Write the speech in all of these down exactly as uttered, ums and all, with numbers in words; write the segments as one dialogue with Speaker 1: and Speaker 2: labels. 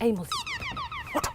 Speaker 1: এই মজি ওঠো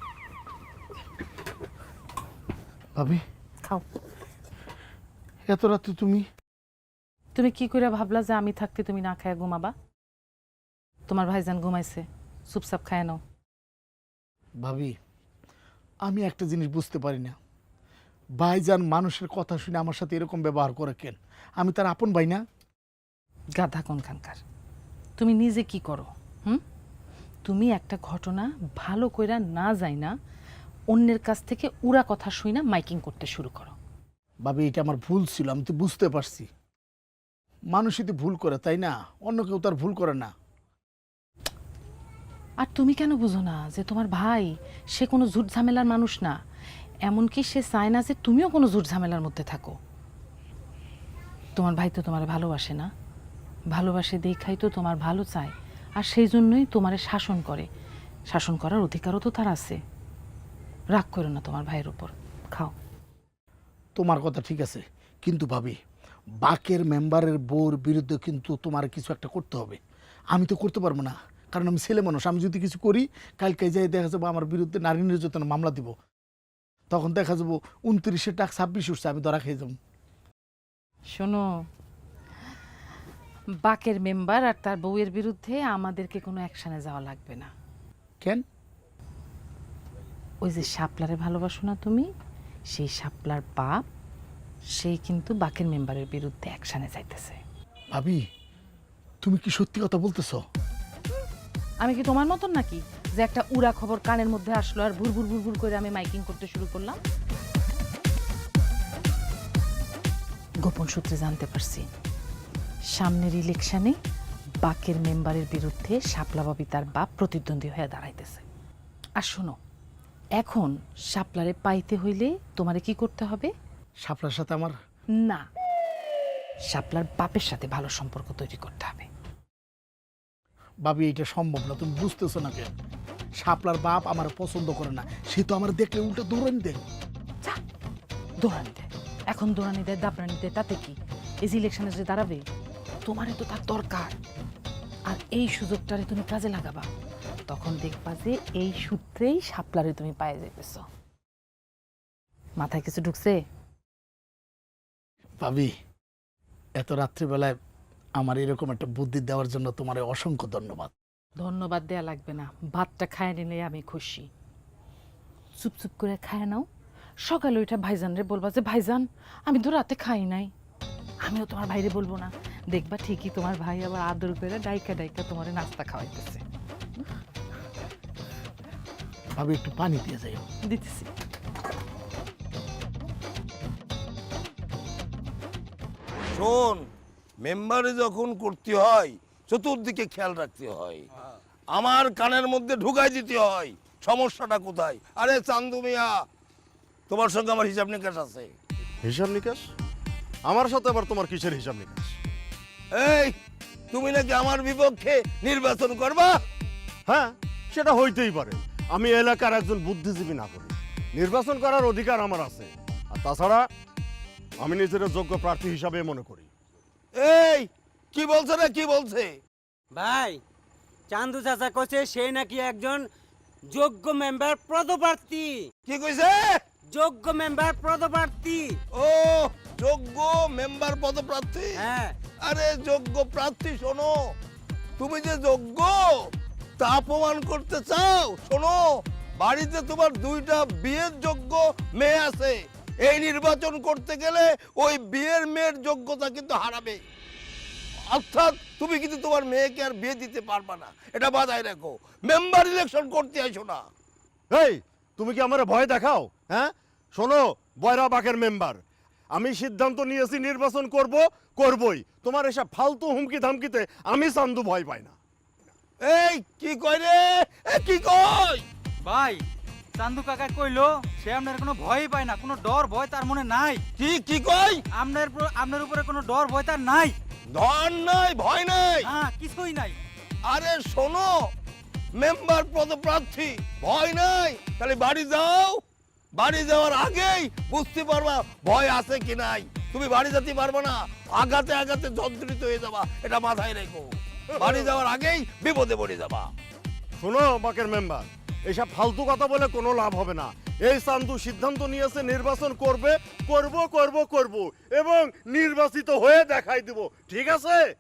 Speaker 2: ভাবি
Speaker 1: খাও।
Speaker 2: এত রাতে তুমি
Speaker 1: তুমি কি করে ভাবলা যে আমি থাকতে তুমি না খায় ঘুমাবা? তোমার ভাইজান ঘুমাইছে, চুপচাপ খায় নাও।
Speaker 2: ভাবি আমি একটা জিনিস বুঝতে পারি না, ভাইজান মানুষের কথা শুনে আমার সাথে এরকম ব্যবহার করে কেন? আমি তার আপন ভাই না?
Speaker 1: গাধা কোনখানকার। তুমি নিজে কি করো? হুম, তুমি একটা ঘটনা ভালো কইরা না যাই না অন্যের কাছ থেকে উড়া কথা শুই না মাইকিং করতে শুরু করো।
Speaker 2: ভাবি এটা আমার ভুল ছিল, আমি তো বুঝতে পারছি। মানুষই তো ভুল করে, তাই না? অন্য কেউ তার ভুল করে না।
Speaker 1: আর তুমি কেন বুঝো না যে তোমার ভাই সে কোনো ঝুট ঝামেলার মানুষ না, এমনকি সে চায় না যে তুমিও কোনো ঝুট ঝামেলার মধ্যে থাকো। তোমার ভাই তো তোমার ভালোবাসে না, ভালোবাসে দেখাই তো তোমার ভালো চায়, আর সেই জন্যই তোমারে শাসন করে। শাসন করার অধিকারও তো তার আছে। রাগ করো না তোমার ভাইয়ের উপর, খাও।
Speaker 2: তোমার কথা ঠিক আছে, কিন্তু ভাবি বাকের মেম্বারের বউর বিরুদ্ধে কিন্তু তোমার কিছু একটা করতে হবে। আমি তো করতে পারবো না, কারণ আমি ছেলে মানুষ। আমি যদি কিছু করি, কালকে যাই দেখা যাবো আমার বিরুদ্ধে নারী নির্যাতনের মামলা দিব। তখন দেখা যাবো উনত্রিশে টাকা ছাব্বিশ উঠছে, আমি ধরা খেয়ে যাবো।
Speaker 1: শোনো, বাকের মেম্বার আর তার বউয়ের বিরুদ্ধে আমাদেরকে কোনো অ্যাকশনে যাওয়া লাগবে না।
Speaker 2: কেন?
Speaker 1: ওই যে শাপলারে ভালোবাসো না তুমি, সেই শাপলার বাপ সেই কিন্তু বাকের মেম্বারের বিরুদ্ধে অ্যাকশনে যাইতেছে।
Speaker 2: ভাবি তুমি কি সত্যি কথা বলতেছো?
Speaker 1: আমি কি তোমার মতন নাকি যে একটা উড়া খবর কানের মধ্যে আসলো আর ভুর ভুর ভুর ভুর করে আমি মাইকিং করতে শুরু করলাম? গোপন সূত্রে জানতে পারছি সামনের ইলেকশনে বাকের মেম্বারের বিরুদ্ধে শাপলা বাবি তার বাপ প্রতিদ্বন্দ্বী হয়ে দাঁড়াইতেছে। আর শোনো, এখন শাপলারে পাইতে হইলে তোমারে কি করতে হবে?
Speaker 2: শাপলার সাথে আমার
Speaker 1: না, শাপলার বাপের সাথে ভালো সম্পর্ক তৈরি করতে হবে।
Speaker 2: ভাবি এটা সম্ভব না, তুমি বুঝতেছো না কেন? শাপলার বাপ আমার পছন্দ করে না, সে তো আমার দেখলে উল্টো দৌড়ানি দেয়।
Speaker 1: যা, দৌড়ানি দেয়, এখন দৌড়ানি দেয় দাপড়ানি দেয়, তাতে কি? এই যে ইলেকশনে যে দাঁড়াবে, তোমারে তো তার দরকার। আর এই সুযোগটারে তুমি কাজে লাগাবা, তখন দেখবা যে এই সূত্রেই শাপলারে তুমি পায়ে যাইতেছ। মাথায় কিছু ঢুকছে?
Speaker 2: ভাবি এত রাত্রিবেলায় আমার এরকম একটা বুদ্ধি দেওয়ার জন্য তোমার অসংখ্য ধন্যবাদ।
Speaker 1: ধন্যবাদ দেয়া লাগবে না, ভাতটা খায় নিলে আমি খুশি। চুপ চুপ করে খায় নাও, সকালে ওইটা ভাইজান রে বলবা যে ভাইজান আমি তো রাতে খাই নাই। আমিও তোমার ভাইরে বলবো না, দেখবা ঠিকই তোমার ভাই আবার আদর করে ডাইকা ডাইকা তোমার নাস্তা খাওয়াইতেছে।
Speaker 2: ভাবি একটু পানি দিয়ে যাই।
Speaker 1: দিতেছি।
Speaker 3: শোন, মেম্বারে যখন করতে হয় চতুর্দিকে খেয়াল রাখতে হয়, আমার কানের মধ্যে ঢুকাই দিতে হয় সমস্যাটা কোথায়। আরে চান্দু মিয়া, তোমার সঙ্গে আমার হিসাব নিকাশ আছে।
Speaker 4: হিসাব নিকাশ? আমার সাথে আবার তোমার কিসের হিসাব নিকাশ?
Speaker 3: এই, তুমি নাকি আমার বিপক্ষে নির্বাচন করবা?
Speaker 4: হ্যাঁ, সেটা হইতেই পারে। আমি এলাকার একজন বুদ্ধিজীবী নাগরিক, নির্বাচন করার অধিকার আমার আছে। আর তাছাড়া আমি নিজের যোগ্য প্রার্থী হিসাবে মনে করি।
Speaker 3: এই কি বলছে না কি বলছে?
Speaker 5: ভাই, চান্দু চাচা কইছে সে নাকি একজন যোগ্য মেম্বার পদপ্রার্থী।
Speaker 3: কি কইছে?
Speaker 5: যোগ্য মেম্বার পদপ্রার্থী।
Speaker 3: ও, যোগ্য মেম্বার পদপ্রার্থী?
Speaker 5: হ্যাঁ।
Speaker 3: আরে যোগ্য প্রার্থী, শোনো, তুমি যে যোগ্য তা প্রমাণ করতে চাও? শোনো, বাড়িতে তোমার দুইটা বিয়ের যোগ্য মেয়ে আছে। এই নির্বাচন করতে গেলে ওই বিয়ের মেয়ের যোগ্যতা কিন্তু হারাবে। অর্থাৎ তুমি কিন্তু তোমার মেয়েকে আর বিয়ে দিতে পারবা না, এটা বাজায় রাখো। মেম্বার ইলেকশন করতে আসো না।
Speaker 4: এই, তুমি কি আমার ভয় দেখাও? হ্যাঁ, শোনো বয়রা বাকের মেম্বার, আমি সিদ্ধান্ত নিয়েছি নির্বাচন করব, করবই। তোমার এসব ফালতু হুমকি ধামকিতে আমি চান্দু ভয় পাই না।
Speaker 3: এই কি কয় রে? এ কি কয়?
Speaker 6: ভাই, চান্দু কাকা কইলো সে আপনার কোনো ভয়ই পায় না, কোনো ডর ভয় তার মনে নাই।
Speaker 3: কি কি কয়?
Speaker 6: আপনার উপর- আপনার উপরে কোনো ডর ভয় তার নাই।
Speaker 3: ধন নাই, ভয় নাই।
Speaker 6: হ্যাঁ, কিছুই নাই।
Speaker 3: আরে শোনো, মেম্বার পদপ্রার্থী, ভয় নাই। তাহলে বাড়ি যাও, বাড়ি যাওয়ার আগেই বুঝতে পারবা ভয় আছে কি নাই। তুমি বাড়ি যেতে পারবে না, আগাতে আগাতে যন্ত্রিত হয়ে যাবা, এটা মাথায় রেখো। বাড়ি যাওয়ার আগেই বিপদে পড়ে যাবা।
Speaker 4: শোনো বাকের মেম্বার, এসব ফালতু কথা বলে কোনো লাভ হবে না। এই চান্দু সিদ্ধান্ত নিয়েছে নির্বাচন করবে, করব করব করব এবং নির্বাচিত হয়ে দেখাই দিব, ঠিক আছে?